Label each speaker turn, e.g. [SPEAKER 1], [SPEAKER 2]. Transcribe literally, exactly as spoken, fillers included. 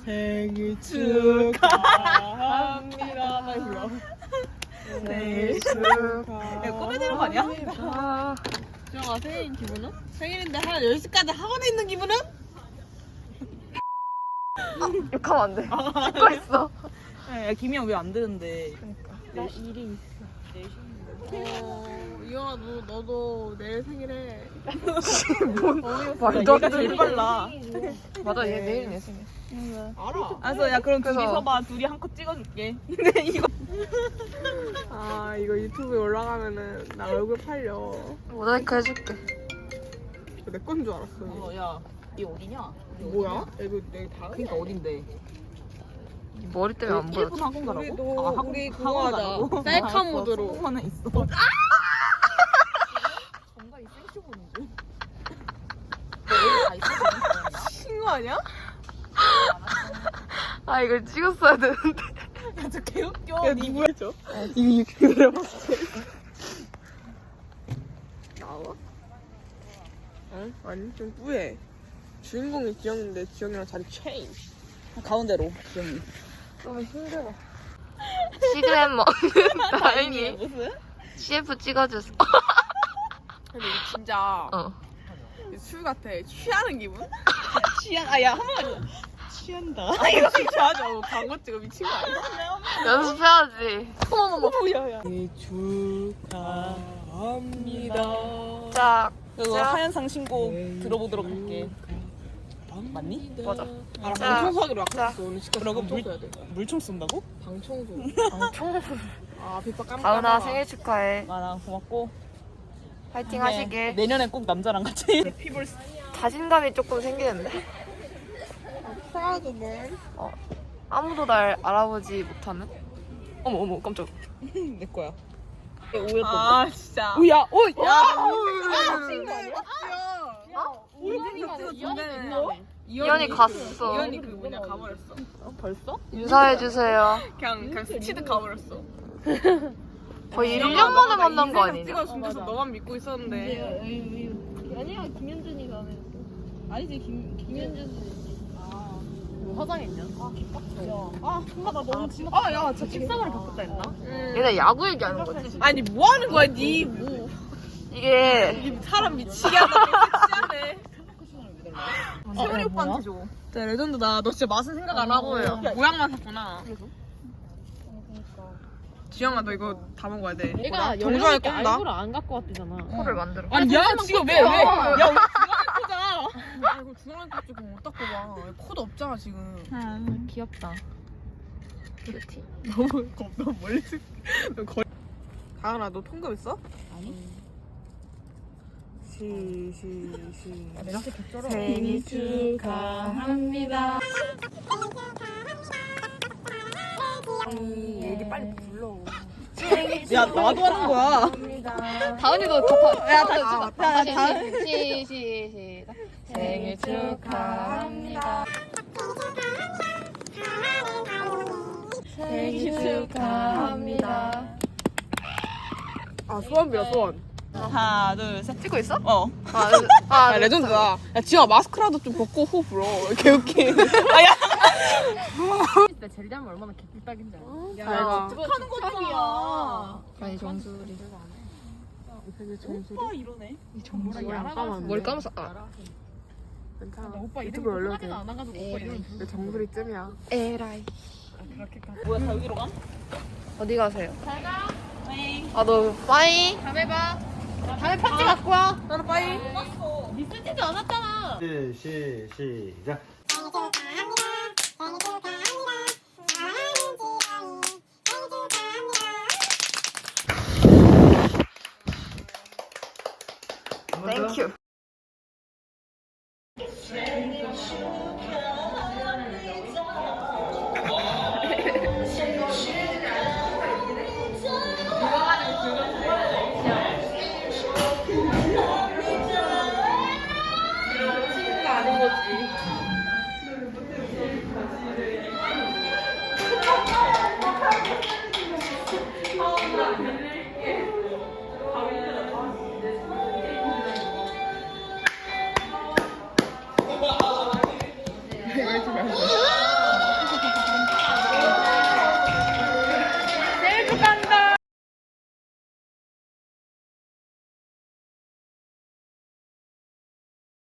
[SPEAKER 1] 생일 축하합니다. 빨리 불러. 생일 축하. 야, 꺼내야 되는 거 아니야? 주영아, 생일 기분은? 생일인데 한 열 시까지 학원에 있는 기분은?
[SPEAKER 2] 욕하면 안 돼. 찍고 있어.
[SPEAKER 1] 야, 김이형 왜 안 되는데?
[SPEAKER 2] 그러니까.
[SPEAKER 1] 나 일이 있어. 어, 이영아, 너, 너도 내일 생일에.
[SPEAKER 2] 뭔 말도 안
[SPEAKER 1] 얘가
[SPEAKER 2] 되는
[SPEAKER 1] 제일 빨라.
[SPEAKER 2] 맞아, 얘 내일 내 생일.
[SPEAKER 1] 알아. 알았어, 야, 그럼 둘이
[SPEAKER 2] 그래서-
[SPEAKER 1] 서봐. 둘이 한 컷 찍어줄게. 근데 이거.
[SPEAKER 3] 아 이거 유튜브에 올라가면은 나 얼굴 팔려.
[SPEAKER 2] 모자이크 해줄게.
[SPEAKER 3] 내 건 줄 알았어.
[SPEAKER 1] 어, 야, 이 어디냐?
[SPEAKER 3] 뭐야? 이거 내 다.
[SPEAKER 1] 그니까 어딘데?
[SPEAKER 2] 이 머리 때문에 안 보여.
[SPEAKER 1] 일본 학원 가라고?
[SPEAKER 3] 우리도
[SPEAKER 1] 아, 학원,
[SPEAKER 3] 우리 그거
[SPEAKER 1] 학원
[SPEAKER 3] 하자.
[SPEAKER 1] 가라고?
[SPEAKER 3] 셀카
[SPEAKER 1] 알았어,
[SPEAKER 3] 모드로.
[SPEAKER 1] 소금 하나 있어. 정말 이 생쇼 보는 중. 너 여기 다 있어?
[SPEAKER 3] 친구 아니야?
[SPEAKER 2] 아, 이걸 찍었어야 되는데.
[SPEAKER 1] 야, 저 개웃겨.
[SPEAKER 3] 야
[SPEAKER 1] 니
[SPEAKER 3] 누구야 저? 이거 유튜브에 내려봤어. 나와? 응? 아니 좀 뿌해. 주인공이 지영인데 지영이랑 자리 체인지.
[SPEAKER 1] 가운데로, 지영이.
[SPEAKER 2] 너무 힘들어. 시그램 먹는 다행히
[SPEAKER 1] 무슨?
[SPEAKER 2] 씨에프 찍어줬어.
[SPEAKER 3] 근데 이거 진짜
[SPEAKER 2] 어.
[SPEAKER 3] 술 같아. 취하는 기분?
[SPEAKER 1] 취한, 아, 야, 한 번만 해줘. 취한다. 아, 이거
[SPEAKER 3] 취하죠. 광고 찍어 미친 거 아니야?
[SPEAKER 2] 연습해야지. 어머머머.
[SPEAKER 1] 뭐야, 야.
[SPEAKER 3] 생일 축하합니다.
[SPEAKER 2] 짝.
[SPEAKER 1] 그거
[SPEAKER 2] 자.
[SPEAKER 1] 하얀상 신곡 들어보도록 할게. 맞니?
[SPEAKER 2] 맞아.
[SPEAKER 3] 아,
[SPEAKER 2] 자.
[SPEAKER 3] 방청소하기로
[SPEAKER 2] 자.
[SPEAKER 3] 약속했어. 오늘 시간
[SPEAKER 1] 그러고
[SPEAKER 3] 방청소해야 돼.
[SPEAKER 1] 물총 쏜다고?
[SPEAKER 3] 방청소.
[SPEAKER 2] 방청.
[SPEAKER 3] 아 빗밥 깜깜.
[SPEAKER 2] 가은아 생일 축하해.
[SPEAKER 1] 아, 나 고맙고.
[SPEAKER 2] 파이팅
[SPEAKER 1] 네,
[SPEAKER 2] 하시길.
[SPEAKER 1] 내년에 꼭 남자랑 같이. 피볼
[SPEAKER 2] 자신감이 조금 생기는데.
[SPEAKER 3] 사도 뭘?
[SPEAKER 2] 어. 아무도 날 알아보지 못하는? 어머 어머 깜짝.
[SPEAKER 1] 내 거야. 오였던데.
[SPEAKER 3] 아 진짜.
[SPEAKER 1] 오야, 오, 야.
[SPEAKER 2] 이현이 갔어.
[SPEAKER 3] 이현이 그 뭐냐 가버렸어.
[SPEAKER 1] 벌써?
[SPEAKER 2] 인사해 주세요.
[SPEAKER 3] 그냥 그냥 스치듯 가버렸어.
[SPEAKER 2] 거의 일 년 만에 만난 거 아니냐?
[SPEAKER 3] 찍어준다서 너만 믿고 있었는데.
[SPEAKER 4] 아니야 김현준이가 하면 아니지 김 김현준 뭐 화장했냐? 아 개빡쳐.
[SPEAKER 1] 아, 엄마 나 너무 진짜.
[SPEAKER 3] 아 야, 저
[SPEAKER 4] 식사를 바꿨다 했나?
[SPEAKER 2] 얘네 야구 얘기하는 거지.
[SPEAKER 3] 아니 뭐 하는 거야, 니 뭐?
[SPEAKER 2] 이게
[SPEAKER 3] 니 사람 미치게 하다 섹시하네.
[SPEAKER 1] 세훈이 오빠한테 줘.
[SPEAKER 3] 진짜 레전드다. 너 진짜 맛은 생각 안 하고
[SPEAKER 1] 야,
[SPEAKER 3] 모양만 샀구나. 지영아, 너 이거 다 먹어야 돼.
[SPEAKER 4] 얘가
[SPEAKER 3] 정주환이
[SPEAKER 4] 열려니까
[SPEAKER 3] 꼰다.
[SPEAKER 4] 알고를 안 갖고 왔대잖아.
[SPEAKER 2] 코를 만들어.
[SPEAKER 3] 아니 야 지금 왜 왜? 야 우리 중앙에 코자. 아 이거 중앙에 코 지금 어디다 꼽아? 코도 없잖아 지금.
[SPEAKER 4] 귀엽다.
[SPEAKER 2] 큐티.
[SPEAKER 3] 너무 겁 너무 멀리서. 너 거리. 다은아 너 통금 있어?
[SPEAKER 4] 아니.
[SPEAKER 3] 시시 시.
[SPEAKER 4] 내가 개쩔어.
[SPEAKER 3] 생일
[SPEAKER 4] 축하합니다.
[SPEAKER 3] 얘기 빨리 불러.
[SPEAKER 1] 야, 나도 하는 거야.
[SPEAKER 4] 다은이도 다
[SPEAKER 1] 야, 다, 야, 다, 다.
[SPEAKER 4] 시, 시, 시작. 생일 축하합니다. 생일 축하합니다.
[SPEAKER 3] 아 소원 빌어 소원.
[SPEAKER 1] 하나, 둘, 셋.
[SPEAKER 2] 찍고 있어?
[SPEAKER 1] 어.
[SPEAKER 2] 아, 아,
[SPEAKER 3] 아 레전드다. 야 지영아 마스크라도 좀 벗고 호흡 불어. 개웃기. 아야.
[SPEAKER 4] 진짜 제리하면 얼마나 개꿀딱인지 알아.
[SPEAKER 3] 야
[SPEAKER 1] 하는 거잖아.
[SPEAKER 2] 아니 정수리.
[SPEAKER 3] 되게 정수리.
[SPEAKER 1] 오빠 이러네.
[SPEAKER 3] 잠깐만.
[SPEAKER 2] 머리 감았어. 아.
[SPEAKER 3] 괜찮아.
[SPEAKER 4] 오빠
[SPEAKER 3] 유튜브
[SPEAKER 4] 이름
[SPEAKER 3] 올려도 돼.
[SPEAKER 4] 안 와가지고 오빠 이름
[SPEAKER 3] 내 정수리쯤이야.
[SPEAKER 2] 에라이.
[SPEAKER 1] 뭐야, 다 여기로 가?
[SPEAKER 2] 어디 가세요?
[SPEAKER 1] 네.
[SPEAKER 2] 아, 너 빠이.
[SPEAKER 4] 다음에 봐. 다음에 편지 갖고 와.
[SPEAKER 3] 나는 빠이.
[SPEAKER 4] 니 쓰지도 않았잖아.
[SPEAKER 5] 시, 시, 시작.
[SPEAKER 2] 땡큐.
[SPEAKER 3] 아닌 거지.